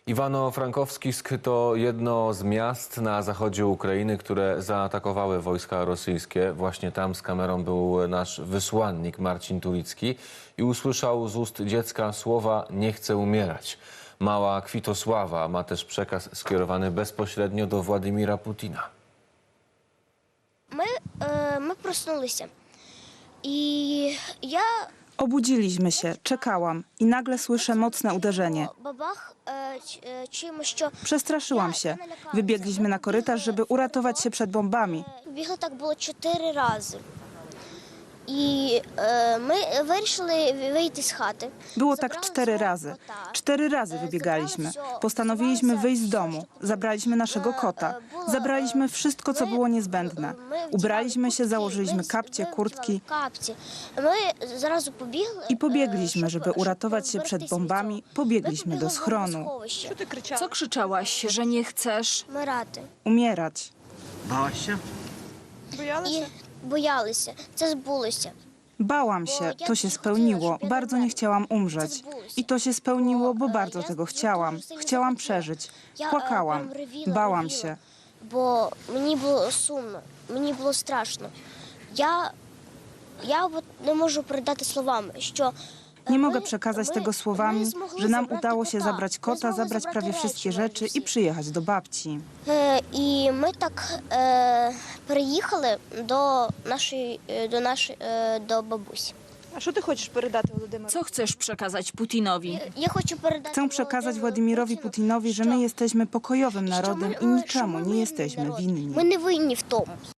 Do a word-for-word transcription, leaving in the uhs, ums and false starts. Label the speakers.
Speaker 1: Iwano-Frankowskisk to jedno z miast na zachodzie Ukrainy, które zaatakowały wojska rosyjskie. Właśnie tam z kamerą był nasz wysłannik Marcin Tulicki i usłyszał z ust dziecka słowa "nie chcę umierać". Mała Kwitosława ma też przekaz skierowany bezpośrednio do Władimira Putina.
Speaker 2: My, e, my prosнулися. I ja...
Speaker 3: Obudziliśmy się, czekałam i nagle słyszę mocne uderzenie.
Speaker 2: Бабах, е, ч- е, чимось, що...
Speaker 3: Przestraszyłam się. Wybiegliśmy na korytarz, żeby uratować się przed bombami.
Speaker 2: Бігли так було чотири рази. І е, ми вирішили вийти з хати.
Speaker 3: Było tak cztery razy. Cztery razy wybiegaliśmy. Postanowiliśmy wyjść z domu. Zabraliśmy naszego kota. Zabraliśmy wszystko, co było niezbędne. Ubraliśmy się, założyliśmy kapcie, kurtki
Speaker 2: Капці. Ми зразу побігли.
Speaker 3: i pobiegliśmy, żeby uratować się przed bombami. Pobiegliśmy do schronu.
Speaker 4: Co krzyczałaś, że nie chcesz?
Speaker 2: Вмирати.
Speaker 3: Umierać.
Speaker 5: Bałaś się?
Speaker 2: І боялися. Це збулося.
Speaker 3: Bałam się, to się spełniło. Bardzo nie chciałam umrzeć. I to się spełniło, bo bardzo tego chciałam. Chciałam przeżyć. Płakałam. Bałam się.
Speaker 2: Бо мені було сумно, мені було страшно. Я, я от не можу передати словами, що
Speaker 3: Nie mogę przekazać tego słowami, że nam udało się zabrać kota, zabrać prawie wszystkie rzeczy i przyjechać do babci.
Speaker 2: Е, І ми так е, переїхали до нашої, е, до нашої, е, до бабусі.
Speaker 6: А що ти хочеш передати Володимиру?
Speaker 4: Co chcesz przekazać Putinowi?
Speaker 2: Я хочу передати
Speaker 3: Chcę przekazać Władimirowi Putinowi, że my jesteśmy pokojowym narodem i niczemu nie jesteśmy winni.
Speaker 2: Ми не винні в тому.